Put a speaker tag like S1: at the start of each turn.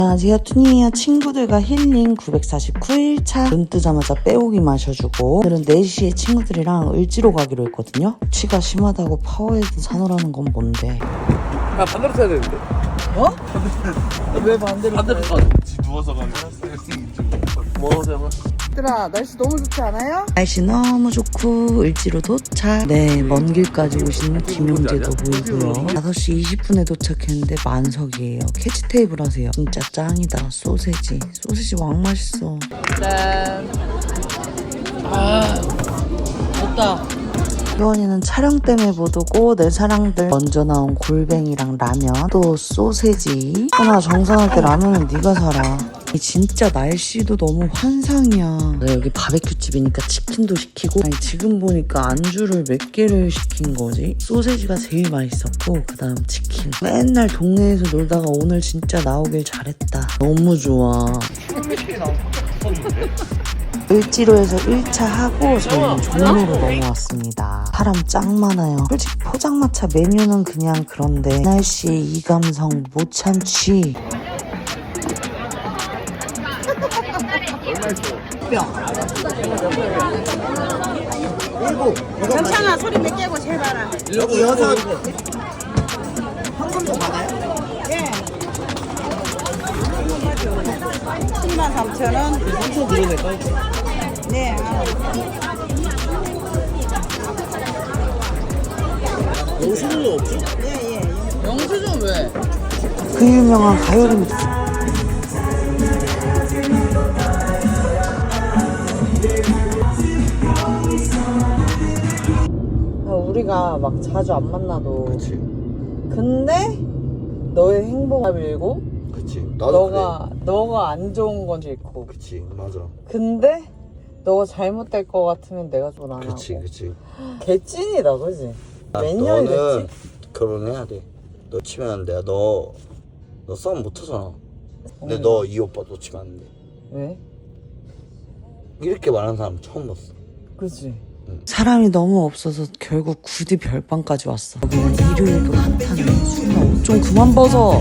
S1: 안녕하세요, 투니야. 친구들과 힐링 949일차. 눈 뜨자마자 빼오기 마셔주고, 오늘은 4시에 친구들이랑 을지로 가기로 했거든요. 치가 심하다고 파워헤드 사놓으라는 건 뭔데?
S2: 아, 반대로 타야 되는데.
S1: 어? 왜 반대로?
S2: 반대로 타. 누워서 가면 뭐 잠깐.
S1: 얘들아, 날씨 너무 좋지 않아요? 날씨 너무 좋고 을지로 도착. 네, 먼 길까지 오신 김용재도 보이고요. 5시 20분에 도착했는데 만석이에요. 캐치 테이블 하세요. 진짜 짱이다. 소세지 왕 맛있어. 짠. 아, 좋다. 효원이는 촬영 때문에 못 오고, 내 사랑들 먼저 나온 골뱅이랑 라면, 또 소세지. 하나 정산할 때 라면은 네가 사라. 진짜 날씨도 너무 환상이야. 내가 여기 바베큐 집이니까 치킨도 시키고, 아니 지금 보니까 안주를 몇 개를 시킨 거지? 소세지가 제일 맛있었고, 그 다음 치킨. 맨날 동네에서 놀다가 오늘 진짜 나오길 잘했다. 너무 좋아. 을지로에서 1차 하고 저희는 종로로 넘어왔습니다. 사람 짱 많아요. 솔직히 포장마차 메뉴는 그냥 그런데 이 날씨에 이 감성 못 참지.
S3: 괜찮아. 소리 몇 개고 제일 많아.
S2: 여기 여섯.
S3: 현금도 받아요? 예. 73,000원.
S2: 3천 들어낼까?
S3: 네.
S2: 영수증이 없지?
S3: 예.
S2: 영수증 왜?
S1: 그 유명한 가요림. 우리가 막 자주 안 만나도,
S2: 그치.
S1: 근데 너의 행복을 밀고
S2: 그치. 나도
S1: 너가 안 좋은 건 싫고,
S2: 그치. 맞아.
S1: 근데 너가 잘못될 것 같으면 내가 좀 안 하고.
S2: 그치.
S1: 개찐이다, 그지? 몇 년이
S4: 너는
S1: 됐지?
S4: 결혼해야 돼. 너 치면 내가 너 싸움 못 하잖아. 근데 너 이 오빠 놓치면 안 돼.
S1: 왜?
S4: 이렇게 말하는 사람 처음 봤어.
S1: 그치? 사람이 너무 없어서 결국 구디 별밤까지 왔어. 여기는 일요일도 핫하네. 순아, 옷 좀 그만 벗어.